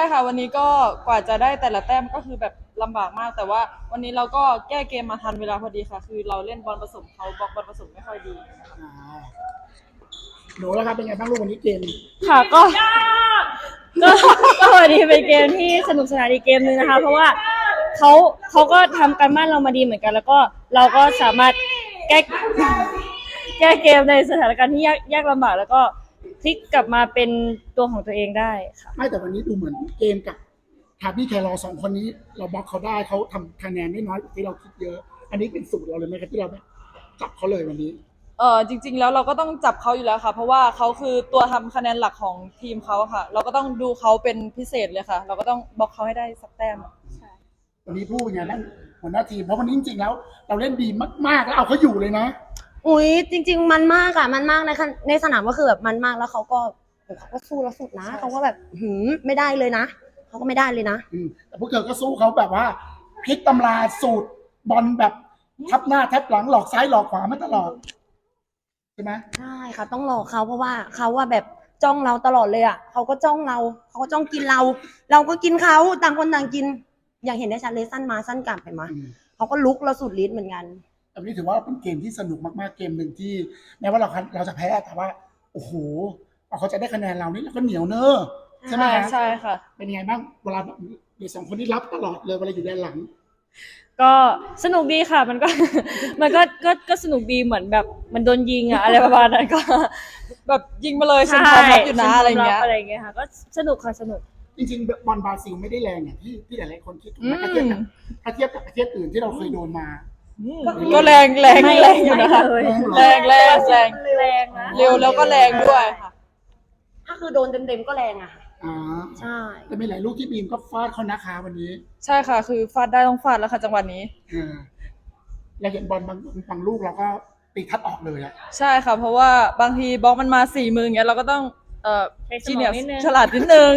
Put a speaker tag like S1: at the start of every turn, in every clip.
S1: ค่ะวันนี้ก็กว่าจะได้แต่ละแต้มก็คือแบบลำบากมากแต่ว่าวันนี้เราก็แก้เกมมาทันเวลาพอดีค่ะคือเราเล่นบอลผสมเขาบล็อกบอลผสมไม่ค่อยดี
S2: อ่าหนูแล้วครับเป็นไงบ้างลูกวันนี้เกม
S3: ค่ะก็ก็วันนี้เป็นเกมที่สนุกสนานอีกเกมนึงนะคะเพราะว่าเขาก็ทำการบ้านเรามาดีเหมือนกันแล้วก็เราก็สามารถแก้เกมในสถานการณ์ที่ยากลำบากแล้วก็พลิกกลับมาเป็นตัวของตัวเองได้ค่ะ
S2: ไม่แต่วันนี้ดูเหมือนเกมกับทาบี้แครอสองคนนี้เราบล็อกเขาได้เขาทำคะแนนได้น้อยกว่าที่เราคิดเยอะ อันนี้เป็นสูตรเราเลยไหมครับที่เราจับเขาเลยวันนี้
S1: จริงๆแล้วเราก็ต้องจับเขาอยู่แล้วค่ะเพราะว่าเขาคือตัวทำคะแนนหลักของทีมเขาค่ะเราก็ต้องดูเขาเป็นพิเศษเลยค่ะเราก็ต้องบล็อกเขาให้ได้สักแต้ม
S2: วันนี้พูดยังไงบ้างหัวหน้าทีมเพราะวันนี้จริงๆแล้วเราเล่นดีมากๆแล้วเอาเขาอยู่เลยนะ
S4: อุ้ยจริงๆมันมากอะมันมากในสนามก็คือแบบมันมากแล้วเขาก็สู้แล้วสุดนะเขาก็แบบไม่ได้เลยนะเขาก็ไม่ได้เลยนะ
S2: แต่พวกเธอก็สู้เขาแบบว่าพลิกตำราสูตรบอลแบบทับหน้าทับหลังหลอกซ้ายหลอกขวามาตลอดใช่ไหม
S4: ใช่ค่ะต้องหลอกเขาเพราะว่าเขาว่าแบบจ้องเราตลอดเลยอะเขาก็จ้องเราเขาก็จ้องกินเราเราก็กินเขาต่างคนต่างกินอย่างเห็นได้ชัดเลยสั้นมาสั้นกลับไปมาเขาก็ลุกเราสุดฤทธิ์เหมือนกัน
S2: แต่วันนี้ถือว่าเป็นเกมที่สนุกมากๆเกมหนึ่งที่แม้ว่าเราจะแพ้แต่ว่าโอ้โหเขาจะได้คะแนนเรานี่เราก็เหนียวเนอะใช่ไหม
S1: ใช่ค่ะ
S2: เป็นยังไงบ้างเวลาเด็กสองคนที่รับตลอดเลยเวลาอยู่ด้านหลัง
S3: ก็สนุกดีค่ะมันก็สนุกดีเหมือนแบบมันโดนยิงอะอะไรประมาณนั้นก็
S1: แบบยิงมาเลยฉันพร้อมรับอยู่นะอะไรเงี้
S3: ยค่ะก็สนุกค่ะสนุก
S2: จริงๆบอลบราซิลไม่ได้แรงอย่างที่หลายๆคนคิดถ้าเทียบกับประเทศอื่นที่เราเคยโดนมา
S1: ก็แรงอยู่นะคะแรงนะเร็วแล้วก็แรงด้วยค่ะ
S4: ถ้าคือโดนเต็มๆก็แรงอะใช่
S2: แต่มีหลายลูกที่บีมก็ฟาดเขานะคะวันนี้
S1: ใช่ค่ะคือฟาดได้ต้องฟาดแล้วค่ะจังหวะนี้
S2: เราเห็นบอลบางลูกเราก็ตีคัดออกเลยอะ
S1: ใช่ค่ะเพราะว่าบางทีบล็อกมันมา4 มือเงี้ยเราก็ต้อง
S3: จีเนียส
S1: ฉลาดนิดนึง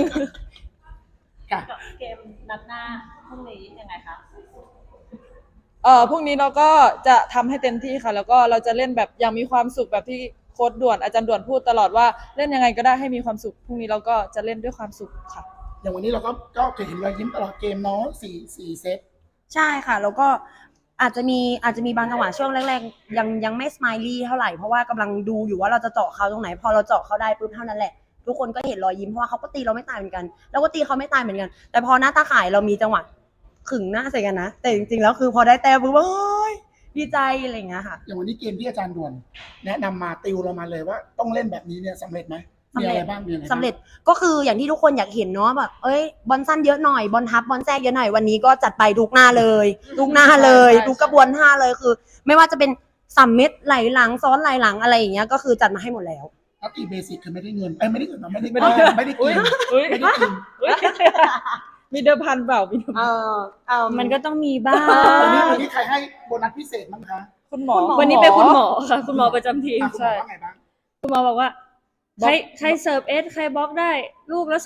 S3: เกมนัดหน้าพรุ่งนี้ยังไงคะ
S1: พรุ่งนี้เราก็จะทำให้เต็มที่ค่ะแล้วก็เราจะเล่นแบบอย่างมีความสุขแบบที่โค้ชด่วนอาจารย์ด่วนพูดตลอดว่าเล่นยังไงก็ได้ให้มีความสุขพรุ่งนี้เราก็จะเล่นด้วยความสุขค่ะ
S2: อย่างวันนี้เราก็เห็นรอยยิ้มตลอดเกมเนาะสี่เซต
S4: ใช่ค่ะแล้วก็อาจจะมีบางจังหวะช่วงแรกๆยังไม่สไมลี่เท่าไหร่เพราะว่ากำลังดูอยู่ว่าเราจะเจาะเขาตรงไหนพอเราเจาะเขาได้ปุ๊บเท่านั้นแหละทุกคนก็เห็นรอยยิ้มเพราะว่าเขาก็ตีเราไม่ตายเหมือนกันแล้วก็ตีเขาไม่ตายเหมือนกันแต่พอหน้าตาข่ายเรามีจังหวะขึงหน้าใส่กันนะแต่จริงๆแล้วคือพอได้แต้มปุ๊บเฮ้ยดีใจอะไรอย่างเงี้ยค่ะ
S2: อย่างวันนี้เกมที่อาจารย์ด่วนแนะนำมาติวเรามาเลยว่าต้องเล่นแบบนี้เนี่ยสำเร็จไหมมีอะไรบ้าง
S4: สำเร็จก็คืออย่างที่ทุกคนอยากเห็นเนาะแบบบอลสั้นเยอะหน่อยบอลทับบอลแทรกเยอะหน่อยวันนี้ก็จัดไปทุกหน้าเลยทุกหน้าเลยทุกกระบวนท่าเลยคือไม่ว่าจะเป็น3 เม็ดไหลหลังซ้อนไหลหลังอะไรอย่างเงี้ยก็คือจัดมาให้หมดแล้ว
S2: ตีเบสิกคือไม่ได้เงินไม่ได้กินไม่ได้กิน
S1: มีเดิมพันเปล่ามี
S3: มันก็ต้องมีบ้าง
S2: วันนี้ใครให้โบนัสพิเศษมั้งคะ
S1: คุณหมอ
S3: วันนี้เป็นคุณหมอค่ะคุณหมอประจำทีม
S2: ใช่
S3: คุณหมอบอกว่าใครเสิร์ฟใครบล็อกได้ลูกละ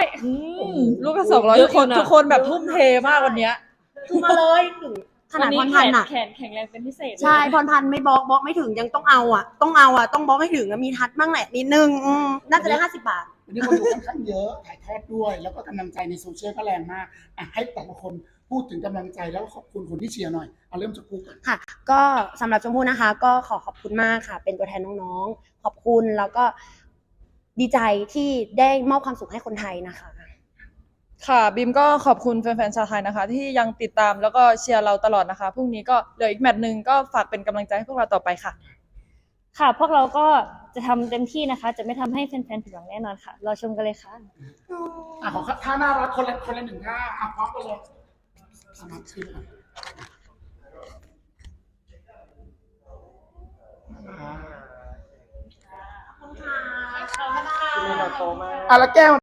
S3: 200
S1: ลูกละ200ทุกคนแบบทุ่มเทมากวันนี้
S4: คือมาเลยขนาดพรพันธ์อะ
S3: แข็งแรงเป็นพิเศษ
S4: ใช่พรพันธ์ไม่บล็อกไม่ถึงยังต้องเอาต้องบล็อกให้ถึงมีทัดบ้างแหละนิดนึงน่าจะได้50 บาท
S2: วันนี้คนดูค่อนข้างเยอะถ่ายทอดด้วยแล้วก็กำลังใจในโซเชียลก็แรงมากให้แต่ละคนพูดถึงกำลังใจแล้วขอบคุณคนที่เชียร์หน่อยเอาเริ่มจากกูก่อน
S4: ค่ะก็สำหรับชมพู่นะคะก็ขอบคุณมากค่ะเป็นตัวแทนน้องๆขอบคุณแล้วก็ดีใจที่ได้มอบความสุขให้คนไทยนะคะ
S1: ค่ะบิมก็ขอบคุณแฟนๆชาวไทยนะคะที่ยังติดตามแล้วก็เชียร์เราตลอดนะคะพรุ่งนี้ก็เหลืออีกแมตช์นึงก็ฝากเป็นกำลังใจให้พวกเราต่อไปค่ะ
S3: ค่ะพวกเราก็จะทำเต็มที่นะคะจะไม่ทำให้แฟนๆผิดหวังแน่นอนค่ะรอชมกันเลยค่ะ
S2: ขอท่าน่ารักคนละ1 ท่าพร้อมกันเลยสมัครชื่อแล้วแก้ว